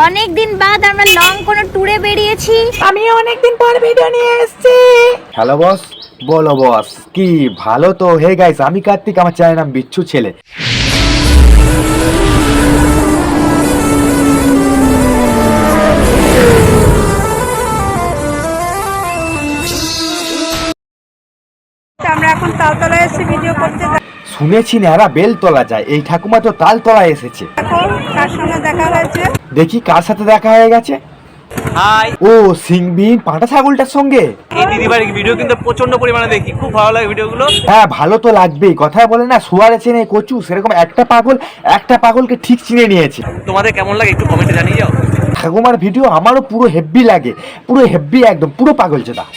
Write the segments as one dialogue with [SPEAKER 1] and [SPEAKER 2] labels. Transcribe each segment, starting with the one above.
[SPEAKER 1] অনেকদিন বাদ আমরা লং কোনো ট্যুরে বেরিয়েছি।
[SPEAKER 2] আমি অনেকদিন পর ভিডিও নিয়ে এসেছি।
[SPEAKER 3] হ্যালো বস, বলো বস। কি ভালো তো। হে গাইস, আমি কার্তিক, আমার চ্যানেল নাম বিচ্ছু ছেলে।
[SPEAKER 2] আমরা এখন তালতলায় এসে ভিডিও করতে।
[SPEAKER 3] শুনেছি নেহারা বেল তোলা যায়, এই ঠাকুমা তো তাল তলায় এসেছে।
[SPEAKER 2] কার সঙ্গে দেখা হয়েছে?
[SPEAKER 3] দেখি কার সাথে দেখা হয়ে গেছে।
[SPEAKER 4] হাই,
[SPEAKER 3] ও সিংবিন পাঁঠা ছাগলটার সঙ্গে।
[SPEAKER 4] এই দিদিবাড়ির ভিডিও কিন্তু প্রচন্ড পরিমাণে দেখি, খুব ভালো লাগে ভিডিওগুলো।
[SPEAKER 3] হ্যাঁ, ভালো তো লাগবেই। কথায় বলে না, শুয়ারে চেনে কচু, সেরকম একটা পাগলকে ঠিক চিনে নিয়েছে।
[SPEAKER 4] তোমাদের কেমন লাগে একটু কমেন্টে জানিয়ে যাও।
[SPEAKER 3] ঠাকুমার ভিডিও আমারও পুরো হেভি লাগে, পুরো হেভি, একদম পুরো পাগল যেটা।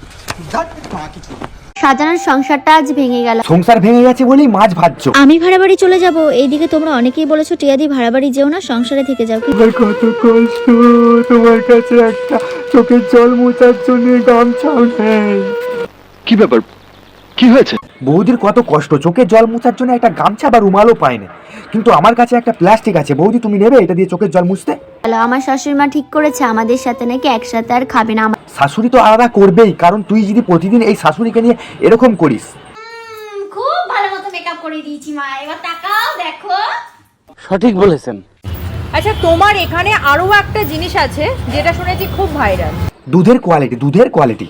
[SPEAKER 1] সাজানোর সংসারটা আজ ভেঙে গেল।
[SPEAKER 3] সংসার ভেঙে গেছে বলেই মাছ ভাজছো।
[SPEAKER 1] আমি ভাড়া বাড়ি চলে যাব। এইদিকে তোমরা অনেকেই বলেছো টিয়াদি ভাড়া বাড়ি যেও না, সংসারে থেকে যাও।
[SPEAKER 3] আমার কত কষ্ট, তোমার কাছে একটা চোখের জল মোছার জন্য গামছাও নেই।
[SPEAKER 5] কি ব্যাপার, কি হয়েছে?
[SPEAKER 3] বৌদির কত কষ্ট, চোখের জল মোছার জন্য একটা গামছা বা রুমালও পায় না। কিন্তু আমার কাছে একটা প্লাস্টিক আছে। বৌদি, তুমি নেবে এটা দিয়ে চোখের জল মুছতে?
[SPEAKER 1] আমার শাশুড়ি মা ঠিক করেছে আমাদের সাথে নাকি একসাথে আর খাবে না।
[SPEAKER 3] শাশুড়ি তো আলাদা করবেই, কারণ তুই যদি প্রতিদিন এই শাশুড়িকে নিয়ে এরকম করিস।
[SPEAKER 1] খুব ভালো মতো মেকআপ করে দিয়েছি মা, এবার তাকাও দেখো।
[SPEAKER 4] সঠিক বলেছেন।
[SPEAKER 2] আচ্ছা, তোমার এখানে আরো একটা জিনিস আছে যেটা শুনেছি খুব ভাইরাল।
[SPEAKER 3] দুধের কোয়ালিটি।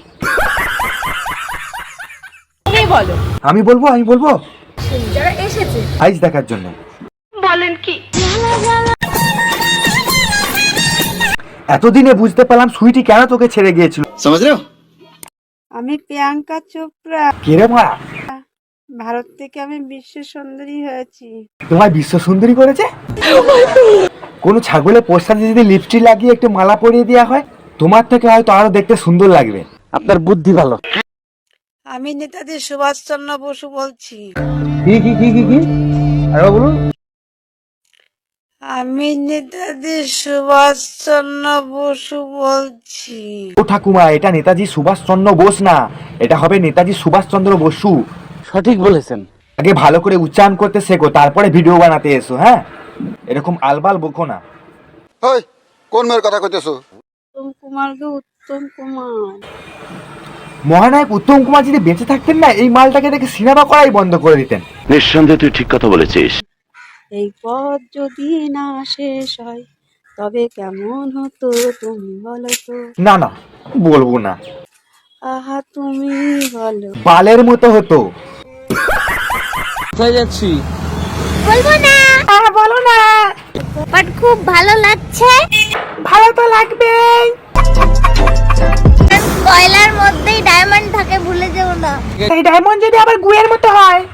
[SPEAKER 2] তুমি বলো।
[SPEAKER 3] আমি বলবো
[SPEAKER 2] যারা এসেছে
[SPEAKER 3] আইস দেখার জন্য।
[SPEAKER 2] বলেন কি?
[SPEAKER 3] এতদিনে বুঝতে পারলাম সুইটি কেন তোকে ছেড়ে গিয়েছিল।
[SPEAKER 6] আমি প্রিয়াঙ্কা চোপড়া,
[SPEAKER 3] কে রে মা?
[SPEAKER 6] ভারত থেকে আমি বিশ্ব সুন্দরী হয়েছি।
[SPEAKER 3] তোমায় বিশ্ব সুন্দরী করেছে? কোন ছাগলের পোস্টারে যদি লিপস্টিক লাগিয়ে একটু মালা পরিয়ে দেওয়া হয়, তোমার থেকে হয়তো আরো দেখতে সুন্দর লাগবে।
[SPEAKER 4] আপনার বুদ্ধি ভালো।
[SPEAKER 6] আমি নেতাজি সুভাষচন্দ্র বসু বলছি।
[SPEAKER 4] কি আরে বলুন।
[SPEAKER 6] আমি নেতাজি সুভাষচন্দ্র বসু বলছি।
[SPEAKER 3] ও ঠাকুমা, এটা নেতাজি সুভাষচন্দ্র বোস না, এটা হবে নেতাজি সুভাষচন্দ্র বসু।
[SPEAKER 4] সঠিক বলেছেন।
[SPEAKER 3] আগে ভালো করে উচ্চারণ করতে শেখো, তারপরে ভিডিও বানাতে এসো। হ্যাঁ, এরকম আলবাল বকো না।
[SPEAKER 5] ওই কোন মেয়ের কথা কইতেছো?
[SPEAKER 6] উত্তম কুমারকে উত্তম কুমার।
[SPEAKER 3] মহানায়ক উত্তম কুমার যদি বেঁচে থাকতেন না, এই মালটাকে দেখে সিনেমা করাই বন্ধ করে দিতেন।
[SPEAKER 5] নিঃসন্দেহে তুই ঠিক কথা বলেছিস।
[SPEAKER 6] এই পথ যদি না শেষ হয় তবে কেমন হতো তুমি বলো তো।
[SPEAKER 3] না, বলবো না।
[SPEAKER 6] আহা তুমি বলো।
[SPEAKER 3] বালের মতো হতো।
[SPEAKER 4] কোথায় যাচ্ছি?
[SPEAKER 1] বলবো না।
[SPEAKER 2] বলো না।
[SPEAKER 1] বাট খুব ভালো লাগছে।
[SPEAKER 2] ভালো তো লাগবেই।
[SPEAKER 1] কয়লার মধ্যেই ডায়মন্ড থাকে, ভুলে যেও না।
[SPEAKER 2] এই ডায়মন্ড যদি আবার গুয়ের মতো হয়